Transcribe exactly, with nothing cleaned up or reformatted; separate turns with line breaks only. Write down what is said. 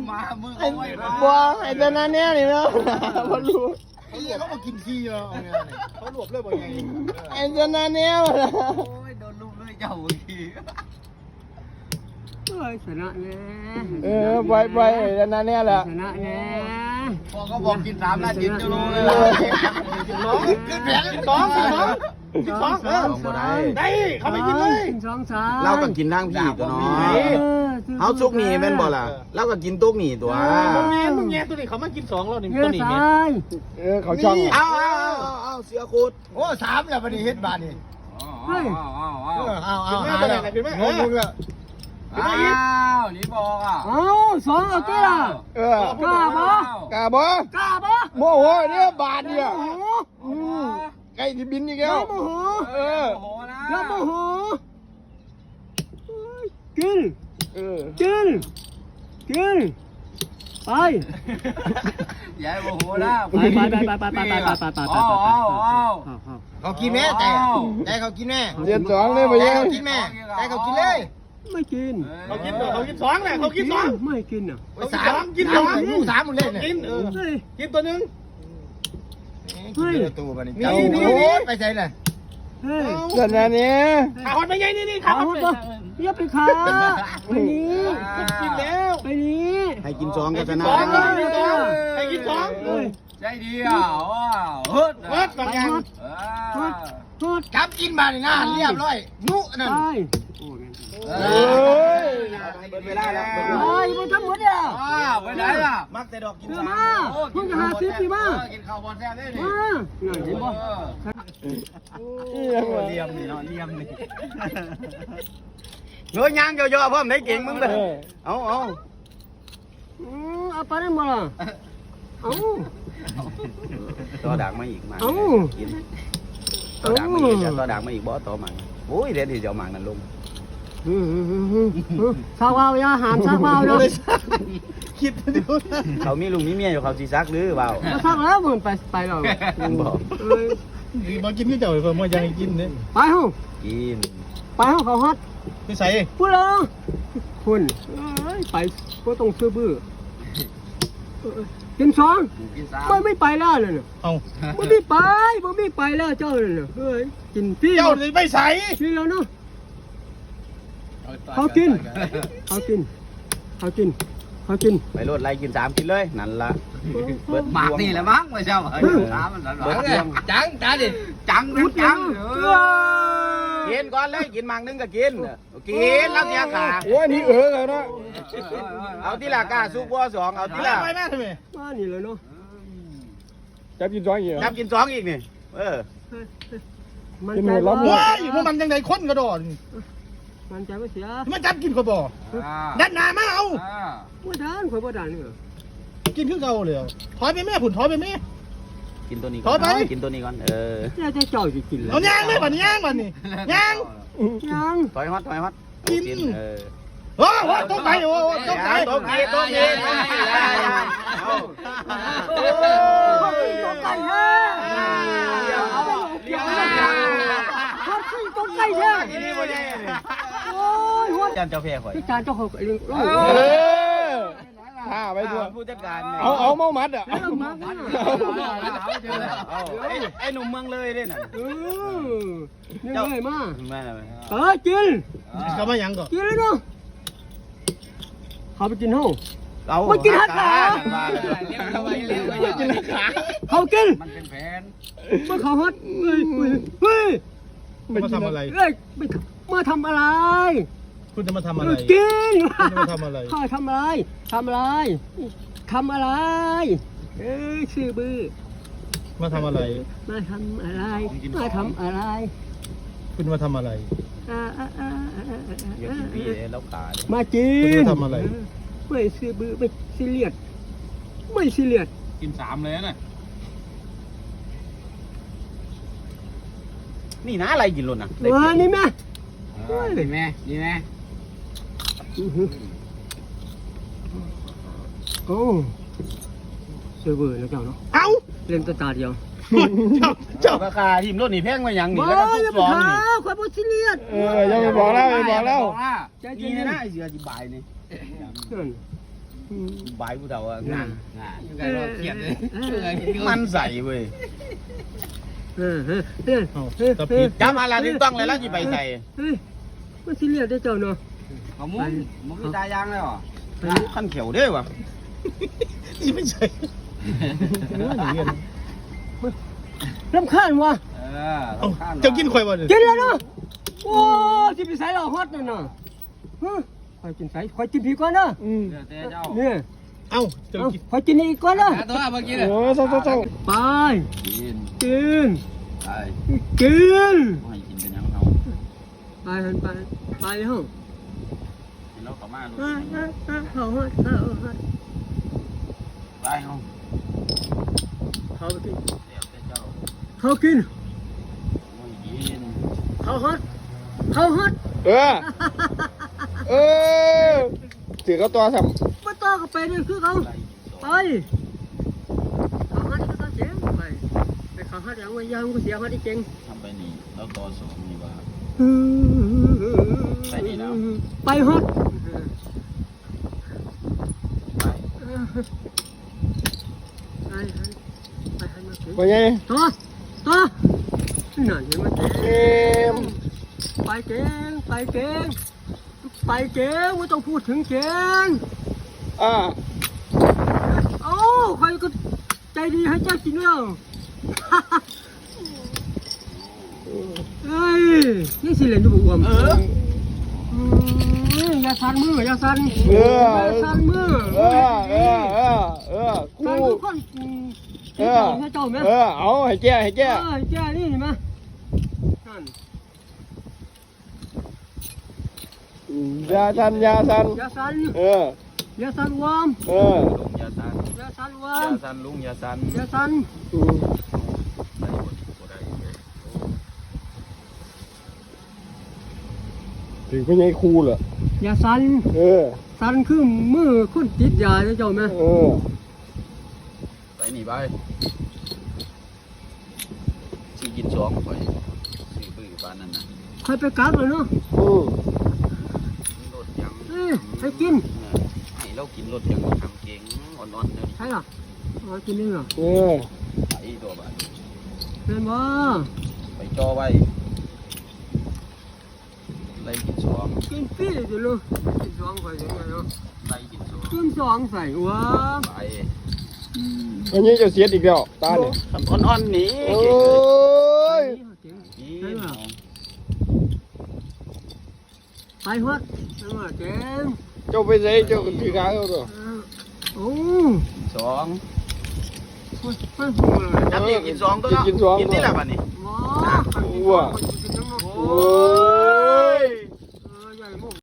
มามือ
ไอ้บัวไอ้ตัวนั้นเนี่ยนี่เนาะพอรู้
ไอ้เหี้ยเขามากินขี้เหรอเอาไงเนี่ยเขาหลบเลยบ่ไง
ไอ้ตัวนั้นเนี่ยมาละ
โอ้ยโดนลูกเลยเจ้าที
เฮ้ยชนะแน่
เออไปไปไอ้ตัวนั้นเนี่ยแหละ
ชนะแน่
พอเขาบอกกินสามนาทีจะรู้เลย
น้องขึ้นแผงสองสิน้องสิสองเออได้เขาไม่กินเลย
สองสาม
เราก็กินทั้งพี่ตัวน้อยเฮาซุกหนีแม่นบ่ล่ะเราก็กินตุ๊กหนีตัว
มึงแง่มึงแง่ตัวนี้เขามากินสองแล้วนี่
เงื่
ตั
อ
วนี้
ซ้
เนี่ย
าย
เออเขาช่อง
เอาเอาเอาเอาเสือขุด
โอ้สามแล้วบัดนี้เฮ็ดบาดนี่
อ้าวอ้าวอ้าว
เอาเอาหาแล้วงงมึงละ
อ้าวนี่บอกอ่ะ
เอาสองเอาตัวละ
เออก
ล้าบ่
กล้าบ่
กล้าบ่
โมโหเนี่ยบาทเนี่ย
โอ้โห
อืมไก่ที่บินอีก
อย่า
แล้ว
โมโห
เออ
โอ้โหนะ
อย่าโมโหกิน
เออ
กินกินไป
อย่าโมโหนะ
ไปไปไปไปไปไปไปไปไปไป
อ้าวอ้าวอ้าว
เขากินแม่ใจใจเขากินแม่
เจ็ดสองเลยไป
ใจ
ยัง
เขากินแม่ใจเขากินเลย
ไม่กิน
เขากินเขากินสองแหละเขากินสอง
ไม่กินอ่ะ
สามกินสองลูกสามมึงเล่นเนี่ยกินเออ
เฮ้ย
กินตัวนึงกินตัวบัดนี้นี่นี่ไปใส่เลย
เฮ้ย
ตัวนั้นเนี่ย
ขาคนไปไงนี่นี่
ขา
ขา
ห
ค
ด
น
ปะอย่าไปขาไปนี้
กินแล้ว
ไปนี้
ให้กินสองก็ชนะ
สองให้กินสอง
เฮ้ย
ใจดีอ่ะว้าวเฮิร์ด
เฮ้ยบางอย่าง
หด
จับกินมาในงานเรียบร้อยนุนั่น
ไป
เอ้ย
เปิดเวลาแล้ว
ไปไปทำหมดอ่ะ
ว้าวไปไหนล่ะ
มักแต่ดอกกิน
เออ
สาม
มาเพิ่งจะหาซื้อปีมา
กินข้าวบอลแซ่บได้ดิ
มาเงินเห็นบ่
อีหยังวะ
เลียมนี่เนาะเลียมนี่เงยยางเยอะๆเพิ่มได้เก่งมึงเลยเอาเอา
อือเอาไปได้บ่ล่ะเอา
ต่อดักมาอีกมา
เอา
กินต่อดักมาอีกจะต่อดักมาอีกบ่ต่อมันโอ้ยเดี๋ยวที่จะเอามันนั่นลง
สาวเอาอย่าหามซักเอาเนาะ
คิดดู
เขามีลุงมีเมียอยู่เขาสิซักหรือเปล่า
มาซักแล้วมึงไปไปแล้ว
บอก
เอ้ย
ดีมากินที่เจ้าเพิ่มมายังกินเนี่ย
ไปเฮา
กิน
ไปเฮาเขาฮัด
พี่ใส่
พูดแล้วคุณเอ้ยไปก็ต้องซื้อบื้อเออกินสอง
กินสาม
ไม่ไม่ไปแล้วเลยเนี่ย
เอา
ไม่ไม่ไปไม่ไม่ไปแล้วเจ้าเลยเนี่ยเฮ้ยกินพี่
เจ้าเลยไม่ใส่
พี่แล้วเนาะเขากินเขากินเขากินเขากิน
ไปโลดไล่กินสามกินเลยนั่นละเบิด
หมากนี่แหละมั้งไม่ใช่เหรอสามมันหวาน
จังจ้าดิ
จังนะจัง
กินก่อนเลยกินมังนึงก็กินกินแล้วเนี่ยขา
โอ้ยนี่เออแล้วเนาะ
เอาที่ละกาซุปบัวสองเอาที่ละ
ไปแม่ทำไม
มานี่เลยเนาะ
จับกินสองอย่าง
จับกินสองอีกนี่เออ
มัน
กิน
ใจ
หมดแล้ว
ว่า
ว้ายมันยังไงคนกระโดด
มันใจว่าเสีย
มันจับกินเขาบ่ดันหนามาเอา
ว่าด้านข่อยว่าด้านนี่เหรอ
กินขึ้นเขาเลยถอยไปแม่ผุนถอยไปแม่
กินตัวนี้
ถอยไป
กินตัวนี้ก่อนเออ
เนี่ยจะเจ้าจะกินเลย
เอาย่างเลยบัดนี้ย่างบัดนี้ย่าง
ยัง
ถอยฮอตถอยฮอตเออ
โอ้โหต้องไปโอ้ต้องไป
ตัวนี้ตัวนี้ตัวนี้
ตัวไก่แท้เขาขึ้นตัวไก่แท้
ทีนี้บ่ใช่
โอ้ยหัว
จานเจ้าแพ้ข่อย
พี่จานเจ้าของเรื่อง
เออท่าไปด้วย
ผู้จัดการ
เอาเอาเมามัดอ่ะ
เรื่องมากนะ
ไอ้หนุ่มเมืองเลยเนี่ยน่ะ
เออนี่เลยมา
แม่
เออกิน
เขามายังก่อน
กินเลยเนาะเขาไปกินห้อง
เอา
ไม่กินหักขา
กินราคา
เขากิน
มันเป็นแผน
เมื่อเขาฮัดเฮ้ยเฮ้ย
มาทำอะไร
เฮ้ยมาทำอะไร
คุณจะมาทำอะไร
กิน
คุณจะมาทำอะไร
ข้าทำอะไรทำอะไรทำอะไรเอ้ยชื่อบื้อ
มาทำอะไร
มาทำอะไรมาทำอะไร
คุณมาทำอะไร
อ่าอ่าอ่าอ่าอ่า
อย่ากินพี่แล้วขา
มากิ
คุณ
น
มาทำอะไร
ไม่ซื้อบื้อไม่ซีเรียสไม่ซีเรียส
กินสามเลยนะ
นี่นะอะไรกินลุนอ่ะ
มานี่แม่
ดีไหมดีไหม
โอ้เสือเบื่อแล้วเจ้าเนาะ
เอ้า
เล่นตาตาเดียว
เจ้าเจ้า
ราคาทีมรถนี่แพงมาอย่างนี่
มา
แล้วก็
อย่า
ทุก
ไป
สอง
ขา
นี่
ความบ่ซีเรียส
เออยังไม่บอกแล้วไม่บอกแล้ว
ใจ
นี่
เย็น
นะ
นะ
ไอ้เสือจีบายนี่
นั่น
บายผู้เฒ่าอ่ะ
นั่นน่ะยังไงเราเขียนเลย
มันใส่เว้ย
เออเออเออเออเออ
จำอะไรที่ต้องเลยแล้วที่ไปใส่
เฮ้ยมันสิเรียกได้เจ้าเนาะ
เขามุ้งมุ้งมีตายางเลยเหรอ
ขั้นเขียวเด้อวะที่ไม่ใช่
รำคาญวะ
เออเราข้าม
เจ้ากินข่อยบ่
กินแล้วเนาะโอ้ที่ไปใส่เราฮอตนั่นน่ะฮะคอยกินใส่คอยกินผีก่อนเนาะ
อืม
เดี๋ยวเต้เจ้า
เนี่ย
เอ้าเจ้า
เอา
กิน
คอยกินอีกก่อนเนาะ
หาตัวเมื่อกี้เนี่ย
โอ้ซ่าซ่าซ่า
ไป
กิน
กิน
ไป
กิน
ให้กินเป็นยังเขา
ไปหันไปไปห้อง
กินแล้วเขามาลูก
อ่าอ่าอ่าเขาฮอตเขาฮอต
ไปเขา
เขาไปกิน
เดี๋ยวเต้เจ้า
เขากิน
ไม่กิน
เขาฮอตเขาฮอต
เออเออถือเขาตัวท
มาต่อกับไปเนี่ยคือเขา
ไป
ไปเขาฮอตก็ต้องเจ๋งไปไปเขาฮอตอย่างว่ายังก็เสียฮอตที่เจ๋ง
ทำไปนี่แล้วต่อสองนี่ว่า
ไปนี่แล้วไปฮอต
ไป
ไปไปให้มาถึง
ำว่าไง
ต่อต่อนั่นเห็นไหม
เกม
ไปเก่งไปเก่งไปเก่งไม่ต้องพูดถึงเก่ง
อ่า
โอ้ใครก็ใจดีให้เจ้าจริงแล้วเฮ้ยนี่สิเหรียญดูบวม
เออ
อย่าสั่นมืออย่าสั่น
เออ
อย่าสั่นมือ
เออเออเออเออกู
สั่นทุกคน
เออ
ให้เจ้าไหม
เออเอาให้แก้ให้
เอ
แก้
อแก้นี่เห็นไหมนั่น
ยาสันยาสัน
อย่าสั่น
เออ
อย่าสั่นวอม
เออ
ลุงยาซัน
อย่าสั่นวอ
า
ยม
ซันลุงยาซัน
อย่าสั่น
อืม
ได้หมดหมดได้
ถึงเป็นไงครูเหรอ
อย่าสั่น
เออ
สั่นคือมือคนติดยาเจ้าไหม
เออ
ไปหนีไปสิกินสองไปซื้อบื้อบ้านนั่นน่ะ
ใครไปกัดเลยเนาะ
อืม
รถยัง
เอ้ยให้กิน
ให้เรากินรถยังทำเก่งอ่อนๆเนี่ย
ใช่หรอเอากินนี่เหรอ
เออ
ไปตัวบ้าน
เป็นบ่
ไปจอไว้ไล่กินสอง
กินฟรีอยู่เลยกินสองใส่ยังไงเนาะ
ไล่กินสอง
กินสองใส่ว้า
ไป
อันนี้จะเสียอีกแล้วตาเนี่ย
ทำอ่อนๆนี่
โอ้
เก่งเลย
ย
กิน
ไปฮอดนั่นว่าเจ๋ง
เจ้าไปใส่เจ้าถือขาเขาตัว
โอ้
สอง
ไม่หูเลย
จับนี่กินสองตัวเนาะ
กินสอง
กินที่ละบ้านนี่
ว้า
ว้า
กินทั้งหมด
โอ้